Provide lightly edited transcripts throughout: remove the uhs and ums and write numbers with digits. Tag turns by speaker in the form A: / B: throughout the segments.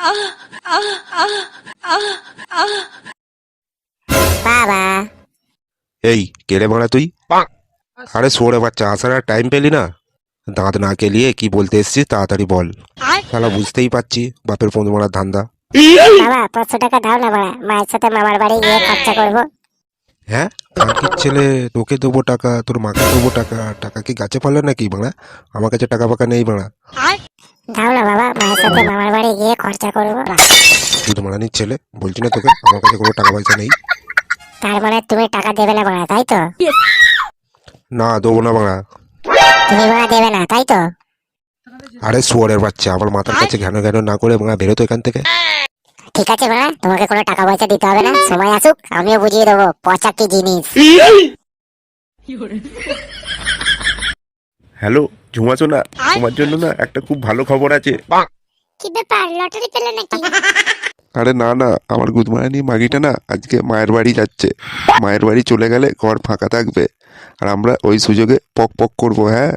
A: বাবা
B: এই কেড়ে মারা তুই? আরে সরে বাচ্চা, আসার আর টাইম পেলি না? দাঁত না কেলিয়ে কি বলতে এসছিস তাড়াতাড়ি বল। শালা বুঝতেই পারছি বাপের ফোন মারার ধান্দা।
A: বাবা 500 টাকা দাও না বাড়া, মায়ের সাথে মামার বাড়ি গিয়ে খরচা করবো।
B: হ্যাঁ কাকির ছেলে, তোকে দেবো টাকা, তোর মাকে দেবো টাকা? টাকা কি গাছে পারলে নাকি বাড়া? আমার কাছে টাকা ফাঁকা নেই বাড়া।
A: দাও না বাবা, মায়ের সাথে মামার বাড়ি গিয়ে খরচা করবো।
B: তুই তো মারানির ছেলে, বলছি না তোকে আমার কাছে কোনো টাকা পয়সা নেই।
A: তার মানে তুমি টাকা দেবে না বাড়া, তাই তো?
B: না দেবো না বাড়া।
A: তুমি বাড়া দেবে না, তাই তো?
B: আরে শুয়ারের বাচ্চা, আমার মাথার কাছে ঘ্যানো ঘ্যানো না করে বাড়া বেরো তো এখান থেকে।
A: ঠিক আছে বাড়া, তোমাকে কোনো টাকা পয়সা দিতে হবে না, সময় আসুক আমিও বুঝিয়ে দেবো পচা কি জিনিস।
B: হ্যালো ঝুমা সোনা, তোমার জন্য না একটা খুব ভালো খবর আছে।
A: কি ব্যাপার, লটারি পেলে নাকি?
B: আরে না না, আমার গুদমারানি মাগিটা না আজকে মায়ের বাড়ি যাচ্ছে। মায়ের বাড়ি চলে গেলে ঘর ফাঁকা থাকবে, আর আমরা ওই সুযোগে পক পক করবো। হ্যাঁ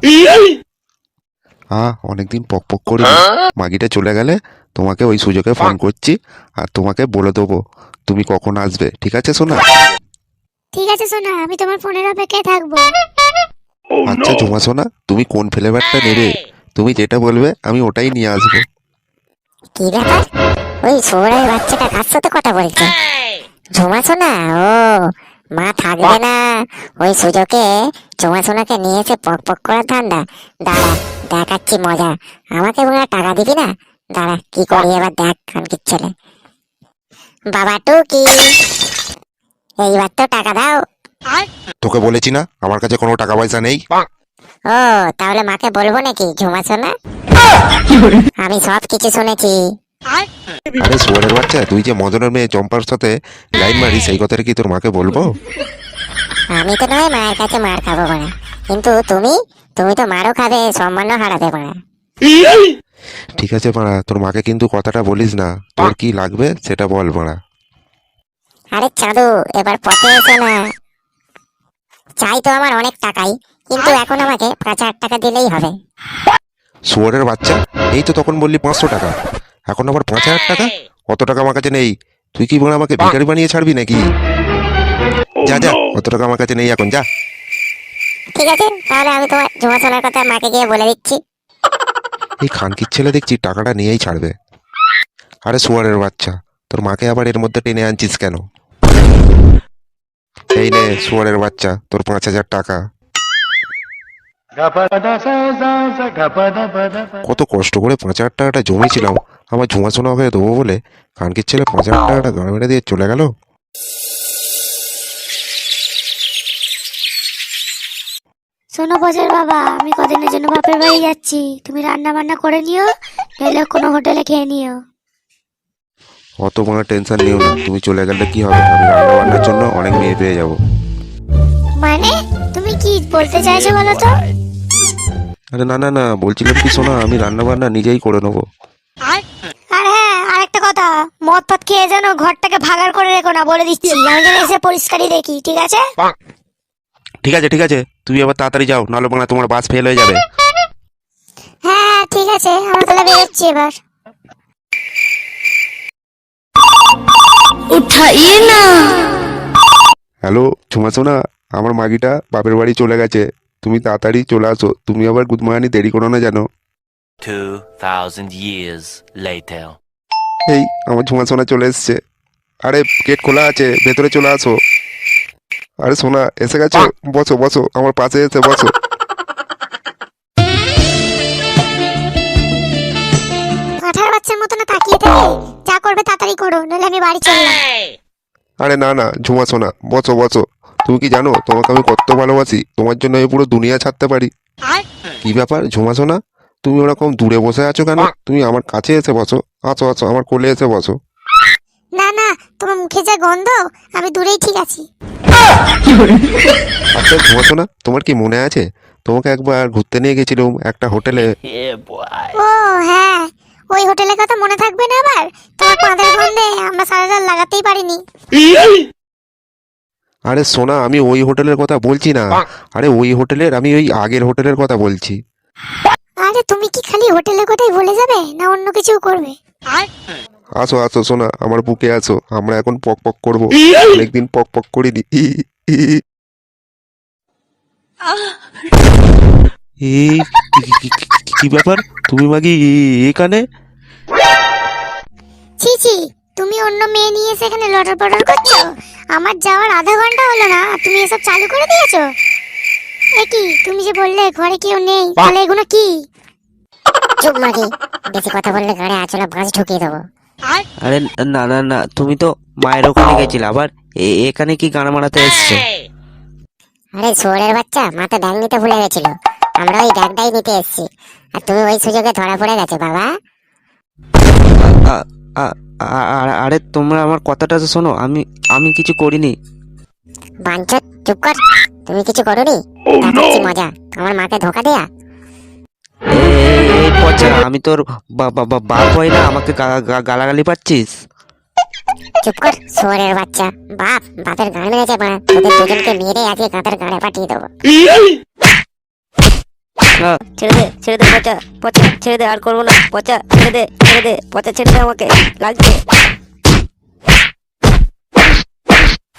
B: অনেকদিন পক পক করি। মাগিটা চলে গেলে তোমাকে ওই সুযোগে ফোন করছি, আর তোমাকে বলে দেবো তুমি কখন আসবে। ঠিক আছে সোনা?
A: ঠিক আছে সোনা, আমি তোমার ফোনের অপেক্ষায় থাকবো।
B: আচ্ছা ঝুমা সোনা, তুমি কোন ফ্লেভারটা নেবে? তুমি যেটা বলবে আমি ওটাই নিয়ে আসবো।
A: কি ব্যাপার, ওই সোনার বাচ্চাটা কার সাথে কথা বলছে? ঝুমা সোনা? ও মা থাকবে না, ওই সুযোগে ঝুমা সোনাকে নিয়ে এসে পক পক করার ধান্দা। দাঁড়া দেখাচ্ছি মজা, আমাকে মনে হয় টাকা দিবি না? দাঁড়া কি করি এবার দেখ খানকির ছেলে। বাবা টুকি, এইবার তো টাকা দাও।
B: তোকে বলেছি না আমার কাছে কোনো টাকা পয়সা নেই।
A: ও তাহলে মাকে বলবো নাকি ঝুমা সোনা? আমি সব কিছু শুনেছি।
B: আরে শুয়ারের বাচ্চা, তুই যে মদনের মেয়ে চম্পার সাথে লাইন মারি, সেই কথাটা কি তোর মাকে বলবো?
A: আমি তো নয় মায়ের কাছে মার খাবো না, কিন্তু তুমি তুমি তো মারও খাবে, সম্মানও হারাতে পারে।
B: ঠিক আছে মারা, তোর মাকে কিন্তু কথাটা বলিস না। তোর কি লাগবে সেটা বল মারা।
A: আরে চাঁদু, এবার পথে এসো না। চাই তো আমার অনেক টাকাই, কিন্তু এখন আমাকে 5,000 টাকা দিলেই হবে।
B: শুয়ারের বাচ্চা, এই তো তখন বললি 500 টাকা, এখন আবার 5,000 টাকা? অত টাকা আমার কাছে নেই। তুই কি বলে আমাকে ভিখারি বানিয়ে ছাড়বি নাকি? যা যা, অত টাকা আমার কাছে নেই এখন, যা।
A: ঠিক আছে, তাহলে আমি তোমার ঝুমা সোনার কথা মাকে গিয়ে বলে দিচ্ছি।
B: এই খানকির ছেলে দেখছি টাকাটা নিয়েই ছাড়বে। আরে শুয়ারের বাচ্চা, তোর মাকে আবার এর মধ্যে টেনে আনছিস কেন? এই নে শুয়ারের বাচ্চা, তোর 5,000 টাকা। কত কষ্ট করে 5,000 টাকাটা জমিয়েছিলাম আমার ঝুমা সোনা হয়ে দেবো বলে, খানকির ছেলে 5,000 টাকাটা গান মেরে দিয়ে চলে গেল।
C: শোনো বজের বাবা, আমি কদিনের জন্য বাপের বাড়ি যাচ্ছি, তুমি রান্না বান্না করে নিও, নইলে কোনো হোটেলে খেয়ে নিও।
B: অত কোনো টেনশন নিও না, তুমি চলে গেলে কি হবে, আমি রান্না বান্নার জন্য অনেক মেয়ে পেয়ে যাবো।
C: মানে তুমি কি বলতে চাইছো বলো তো?
B: আরে না না না, বলছিলাম কি শোনা, আমি রান্না বান্না নিজেই করে নেবো।
C: আর হ্যাঁ, আরেকটা কথা, মদ ফদ খেয়ে যেন ঘরটাকে ভাগাড় করে রেখো না, বলে দিচ্ছি, আমি যেন এসে পরিষ্কারই দেখি, ঠিক আছে?
B: ঠিক আছে ঠিক আছে, তুমি এবার তাড়াতাড়ি যাও, নাহলে বাংলা তোমার বাস ফেল হয়ে যাবে।
C: হ্যাঁ ঠিক আছে, আমরা তাহলে বেরোচ্ছি এবার। উঠাইয়ে না।
B: হ্যালো ঝুমা সোনা, আমার মাগিটা বাপের বাড়ি চলে গেছে, তুমি তাড়াতাড়ি চলে আসো। তুমি আবার গুদমানি দেরি করো না জানো।
D: 2,000 years later.
B: এই আমার ঝুমা সোনা চলে এসছে। আরে গেট খোলা আছে, ভেতরে চলে আসো। আরে সোনা এসে গেছো, বসো বসো, আমার পাশে এসে বসো।
C: কাঁঠার বাচ্চার মতো না তাকিয়ে থাকে, যা করবে তাড়াতাড়ি করো, নইলে আমি বাড়ি চললাম।
B: আরে না না ঝুমা সোনা, বসো বসো। তুমি কি জানো তোমাকে আমি কত ভালোবাসি? তোমার জন্য আমি পুরো দুনিয়া ছাড়তে পারি। কি ব্যাপার ঝুমা সোনা, তুমি ওরকম দূরে বসে আছো কেন? তুমি আমার কাছে এসে বসো, আসো আসো, আমার কোলে এসে বসো।
C: না না, তোমার মুখে যা গন্ধ, আমি দূরেই ঠিক আছি।
B: আচ্ছা ঝুমা সোনা, তোমার কি মনে আছে তোমাকে একবার ঘুরতে নিয়ে গেছিলাম একটা হোটেলে?
D: Yeah, boy.
C: ও হ্যাঁ, ওই হোটেলের কথা মনে থাকবে না আবার? তোমার পাঁদের গন্ধে আমরা সারা রাত লাগাতেই পারিনি।
B: আরে সোনা, আমি ওই হোটেলের কথা বলছি না। আরে ওই হোটেলের, আমি ওই আগের হোটেলের কথা বলছি।
C: আরে তুমি কি খালি হোটেলের কথাই বলে যাবে, না অন্য কিছু করবে?
B: আসো আসো সোনা, আমার বুকে আসো, আমরা এখন পক পক করবো। অনেকদিন পক পক করিনি। এই কি ব্যাপার, তুমি মাগি এখানে?
C: ছি ছি, তুমি অন্য মেয়ে নিয়ে এসে এখানে লটর পটর করছো? আমার যাওয়ার আধা ঘন্টা হলো না আর তুমি এসব চালু করে দিয়েছো? এ কি, তুমি যে বললে ঘরে কেউ নেই, তাহলে এগুলো কি?
A: চুপ মাগি, বেশি কথা বললে গাড়ি আঁচলে বাঁশ ঢুকিয়ে দেবো।
E: আরে না না না, তুমি তো মায়ের ওখানে গেছিলে, আবার এখানে কি গান মারাতে এসছো?
A: আরে শুয়োরের বাচ্চা, মাথা ব্যাগ নিতে ভুলে গেছিল, আমরা ওই ব্যাগটাই নিতে এসেছি, আর তুমি ওই সুযোগে ধরা পড়ে গেছে বাবা।
E: আ- আ- আরে তোমরা আমার কথাটা তো শোনো, আমি কিছু করিনি।
A: বাঞ্চত, চুপ কর, তুমি কিছু করোনি? দেখাচ্ছি মজা, আমার মাকে ধোকা দেয়া।
E: এই পচা, আমি তোর বাপ হয় না, আমাকে গালাগালি পাচ্ছিস?
A: চুপ কর শুয়োরের বাচ্চা, বাপের গান মেরেছে মা, তোদের দুজনকে মেরে আজকে কাঁটার গাড়ে পাঠিয়ে দেবো।
F: ছেড়ে দে পচা, ছেড়ে দে, আর করবো না পচা, ছেড়ে দে পচা, ছেড়ে দে, আমাকে লাগছে।